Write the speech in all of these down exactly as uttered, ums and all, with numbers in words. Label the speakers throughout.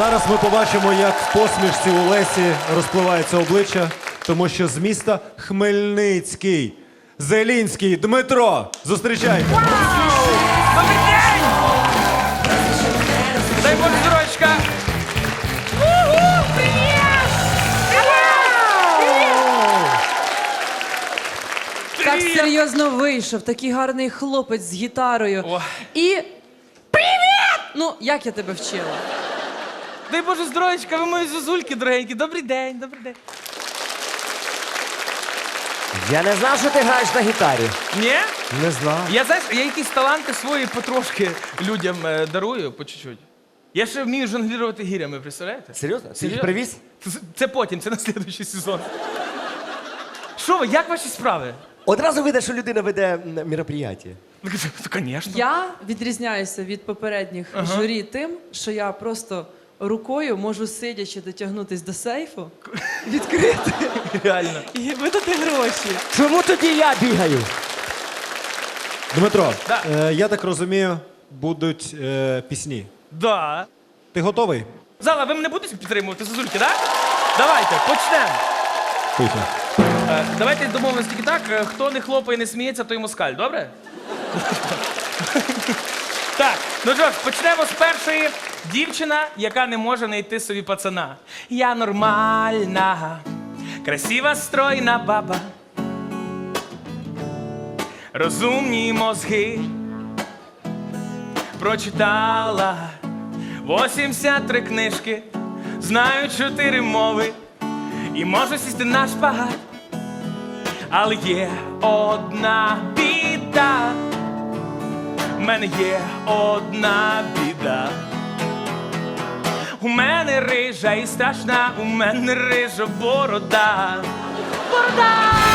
Speaker 1: зараз ми побачимо, як в посмішці у Лесі розпливається обличчя, тому що з міста Хмельницький. Зелінський Дмитро. Зустрічайте.
Speaker 2: Добрий день! Дай Бог здоров'ячка!
Speaker 3: Так серйозно вийшов, такий гарний хлопець з гітарою.
Speaker 2: О.
Speaker 3: І... Привіт! Ну, як я тебе вчила?
Speaker 2: Дай Боже здоров'ячка, ви мої зозульки дорогенькі. Добрий день, добрий день.
Speaker 4: Я не знав, що ти граєш на гітарі.
Speaker 2: Ні?
Speaker 4: Не знав.
Speaker 2: Я, знаєш, я якісь таланти свої потрошки людям е, дарую, по чуть-чуть. Я ще вмію жонглірувати гірями, представляєте?
Speaker 4: Серйозно? Ти їх
Speaker 2: Серйозно?
Speaker 4: привіз?
Speaker 2: Це, це потім, це на слідуючий сезон. Що ви, як ваші справи?
Speaker 4: Одразу видно, що людина веде м, мероприятие.
Speaker 2: Звісно.
Speaker 3: Я відрізняюся від попередніх журі тим, що я просто рукою можу сидячи дотягнутись до сейфу, відкрити
Speaker 2: Реально.
Speaker 3: і видати гроші.
Speaker 4: Чому тоді я бігаю?
Speaker 1: Дмитро,
Speaker 2: Да.
Speaker 1: е, я так розумію, будуть е, пісні.
Speaker 2: Да.
Speaker 1: Ти готовий?
Speaker 2: Зала, ви мене будете підтримувати, зозульки, так? Давайте, почнемо.
Speaker 1: Поїхали.
Speaker 2: Е, давайте домовимося тільки так, е, хто не хлопає, не сміється, той москаль, добре? Так, ну що ж, почнемо з першої. Дівчина, яка не може знайти собі пацана. Я нормальна, красива, стройна баба. Розумні мозги прочитала вісімдесят три книжки, знаю чотири мови і можу сісти на шпагат. Але є одна біда, в мене є одна біда. У мене рижа і страшна, у мене рижа борода. Борода!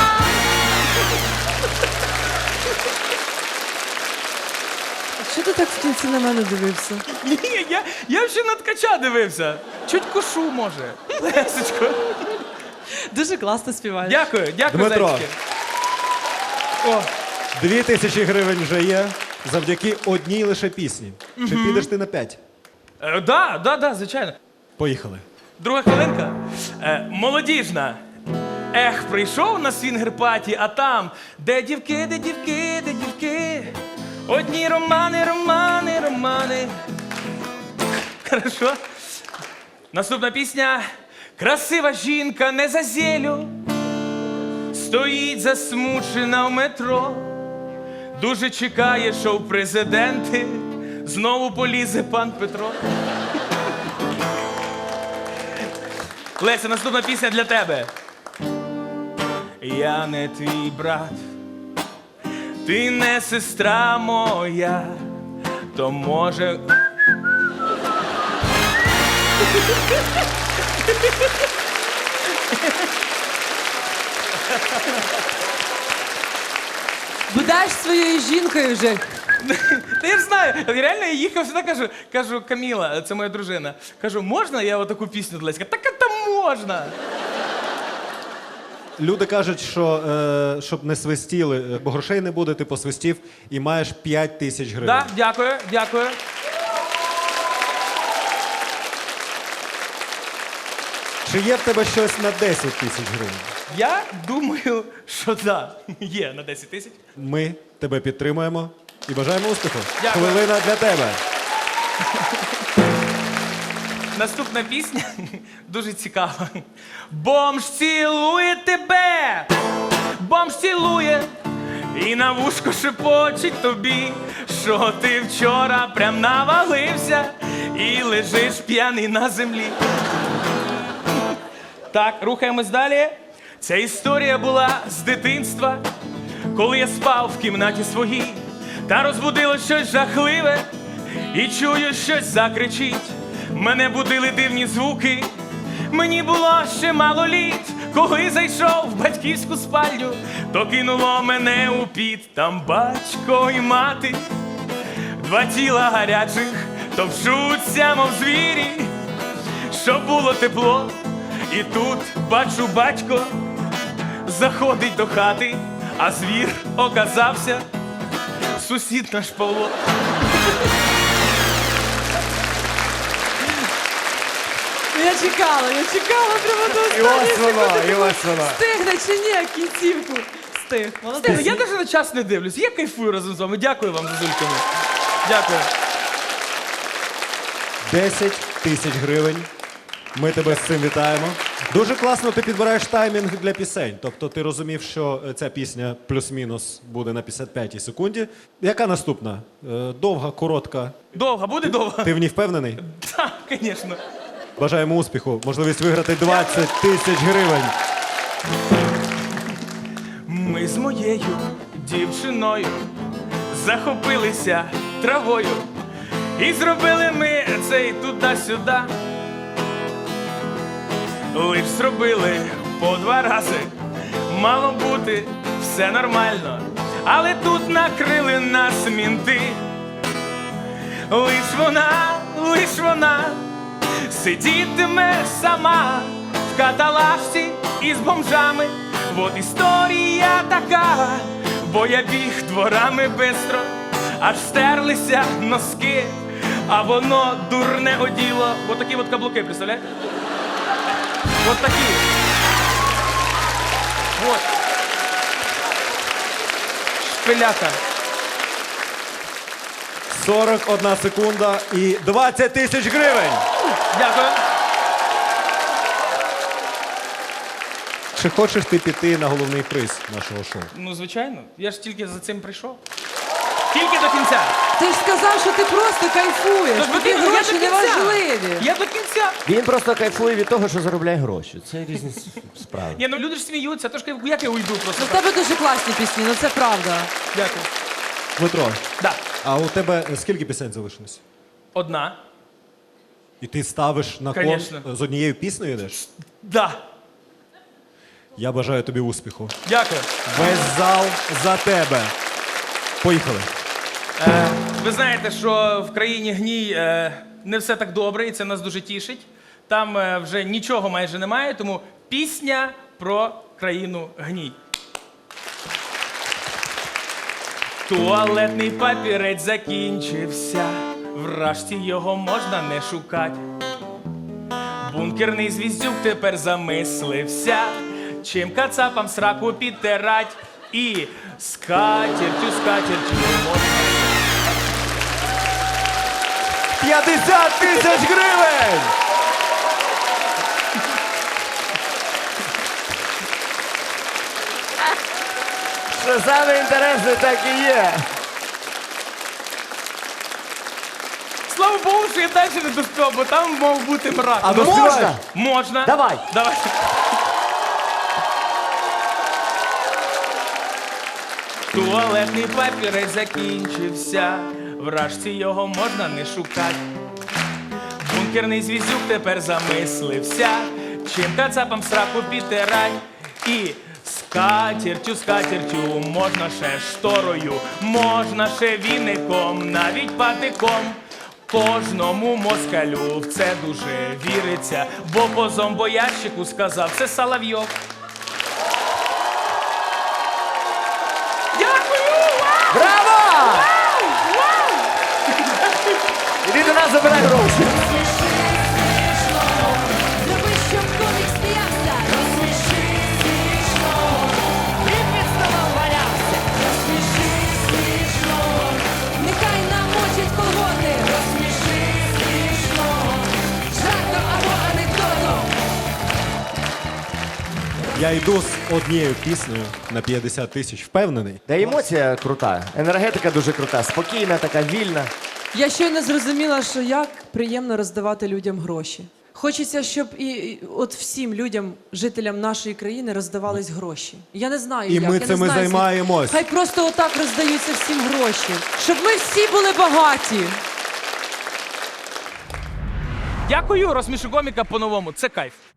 Speaker 3: Що ти так в кінці на мене дивився?
Speaker 2: Ні, я, я ще на ткача дивився. Чуть кошу, може. Лесечко.
Speaker 3: Дуже класно співаєш.
Speaker 2: Дякую, дякую,
Speaker 1: Дмитро.
Speaker 2: зайчики. О,
Speaker 1: Дві тисячі гривень вже є завдяки одній лише пісні. Чи підеш ти на п'ять?
Speaker 2: е, да, да, да, звичайно.
Speaker 1: Поїхали.
Speaker 2: Друга хвилинка. Е, молодіжна. Ех, прийшов на свінгер-паті, а там, де дівки, де дівки, де дівки. Одні романи, романи, романи. Хорошо. Наступна пісня. Красива жінка не за зелю, стоїть засмучена в метро. Дуже чекає, що в президенти знову полізе пан Петро. Леся, наступна пісня для тебе. Я не твій брат, ти не сестра моя, то може...
Speaker 3: Будеш своєю жінкою вже.
Speaker 2: Та я ж знаю, реально я їхав сюди, кажу, кажу, Каміла, це моя дружина, кажу, можна я отаку пісню для Леська? Так це можна.
Speaker 1: Люди кажуть, що е, щоб не свистіли, е, бо грошей не буде, ти посвистів і маєш п'ять тисяч гривень.
Speaker 2: Да, дякую, дякую.
Speaker 1: Чи є в тебе щось на десять тисяч гривень?
Speaker 2: Я думаю, що да, є на десять тисяч.
Speaker 1: Ми тебе підтримуємо і бажаємо успіху.
Speaker 2: Дякую.
Speaker 1: Хвилина для тебе.
Speaker 2: Наступна пісня дуже цікава. Бомж цілує тебе, бомж цілує і на вушко шепочить тобі, що ти вчора прям навалився і лежиш п'яний на землі. Так, рухаємось далі. Ця історія була з дитинства, коли я спав в кімнаті своїй, та розбудило щось жахливе, і чую, щось закричить. Мене будили дивні звуки, мені було ще мало літ. Коли зайшов в батьківську спальню, то кинуло мене у піт. Там батько і мати, два тіла гарячих, товчуться, мов звірі, щоб було тепло. І тут, бачу, батько заходить до хати, а звір оказався сусід наш Павло.
Speaker 3: я чекала, я чекала прямо до
Speaker 4: І
Speaker 3: останньої
Speaker 4: ось воно,
Speaker 3: секунди.
Speaker 4: і ось воно.
Speaker 3: Встигне чи ні, кінцівку. Встиг. Молодець.
Speaker 2: Я навіть на час не дивлюсь. Я кайфую разом з вами. Дякую вам, зазульками. Дякую.
Speaker 1: десять тисяч гривень. Ми тебе з цим вітаємо. Дуже класно ти підбираєш таймінг для пісень. Тобто ти розумів, що ця пісня плюс-мінус буде на п'ятдесят п'ятій секунді. Яка наступна? Е, Довга, коротка.
Speaker 2: Довго, буде довго?
Speaker 1: Ти в ній впевнений?
Speaker 2: Так, звісно.
Speaker 1: Бажаємо успіху. Можливість виграти двадцять тисяч гривень.
Speaker 2: Ми з моєю дівчиною захопилися травою. І зробили ми цей туди-сюди. Лиш зробили по два рази. Мало бути все нормально. Але тут накрили нас мінти. Лиш вона, лиш вона сидітиме сама в каталажці із бомжами. Вот історія така, бо я біг дворами бистро, аж стерлися носки, а воно дурне оділо. Вот такі от каблуки, представляєте? Вот такі. Вот. Шпиляка.
Speaker 1: сорок одна секунда і двадцять тисяч гривень.
Speaker 2: Дякую.
Speaker 1: Чи хочеш ти піти на головний приз нашого шоу?
Speaker 2: Ну, звичайно. Я ж тільки за цим прийшов. Тільки до кінця.
Speaker 3: Ти ж сказав, що ти просто кайфуєш.
Speaker 2: Тож,
Speaker 3: Тобі
Speaker 2: Вадиме, я
Speaker 3: гроші
Speaker 2: до
Speaker 3: не
Speaker 2: кінця.
Speaker 3: важливі.
Speaker 2: Я до кінця.
Speaker 4: Він просто кайфує від того, що заробляє гроші. Це різні с- справи.
Speaker 2: Ні, ну люди ж сміються, тож як я уйду просто.
Speaker 3: Ну, в
Speaker 2: так?
Speaker 3: тебе дуже класні пісні, ну це правда.
Speaker 2: Дякую.
Speaker 1: Дмитро,
Speaker 2: Да.
Speaker 1: а у тебе скільки пісень залишилось?
Speaker 2: Одна.
Speaker 1: І ти ставиш на кон
Speaker 2: Конечно.
Speaker 1: з однією піснею йдеш?
Speaker 2: Да.
Speaker 1: Я бажаю тобі успіху.
Speaker 2: Дякую.
Speaker 1: Весь зал за тебе. Поїхали.
Speaker 2: Е, ви знаєте, що в країні гній е, не все так добре, і це нас дуже тішить. Там е, вже нічого майже немає, тому пісня про країну гній. Туалетний папірець закінчився, вражці його можна не шукати. Бункерний звіздюк тепер замислився, чим кацапам сраку підтирать. І скатертю, скатертю можна.
Speaker 1: п'ятдесят тисяч гривень!
Speaker 4: Що саме інтересне, так і є.
Speaker 2: Слава Богу, що я далі не доспів, бо там мав бути мрак.
Speaker 1: А
Speaker 2: Ну,
Speaker 1: доспіваєш?
Speaker 4: Можна?
Speaker 2: Можна.
Speaker 4: Давай.
Speaker 2: Давай. Туалетний папірець закінчився, вражці його можна не шукати. Бункерний звіздюк тепер замислився, чим кацапам сраку підтирать. І скатертю, скатертю, можна ще шторою, можна ще віником, навіть патиком. Кожному москалю в це дуже віриться, бо по зомбоящику сказав це Соловйов. Дякую! Вау!
Speaker 4: Браво!
Speaker 2: Вау!
Speaker 4: Іди до нас, забирай гроші.
Speaker 5: Зроби, щоб комік сміявся. Розсміши смішно. І під столом валявся. Розсміши смішно. Нехай намочить колготи. Розсміши смішно. Жартом або анекдотом.
Speaker 1: Я йду з однією піснею на п'ятдесят тисяч. Впевнений?
Speaker 4: Та емоція крута, енергетика дуже крута, спокійна, така вільна.
Speaker 3: Я щойно зрозуміла, що як приємно роздавати людям гроші. Хочеться, щоб і, і от всім людям, жителям нашої країни, роздавались гроші. Я не знаю,
Speaker 1: І
Speaker 3: як.
Speaker 1: ми
Speaker 3: я не
Speaker 1: цим і
Speaker 3: знаю, звідки.
Speaker 1: займаємось.
Speaker 3: Хай просто отак роздаються всім гроші, щоб ми всі були багаті.
Speaker 2: Дякую, розсмішу коміка по-новому. Це кайф.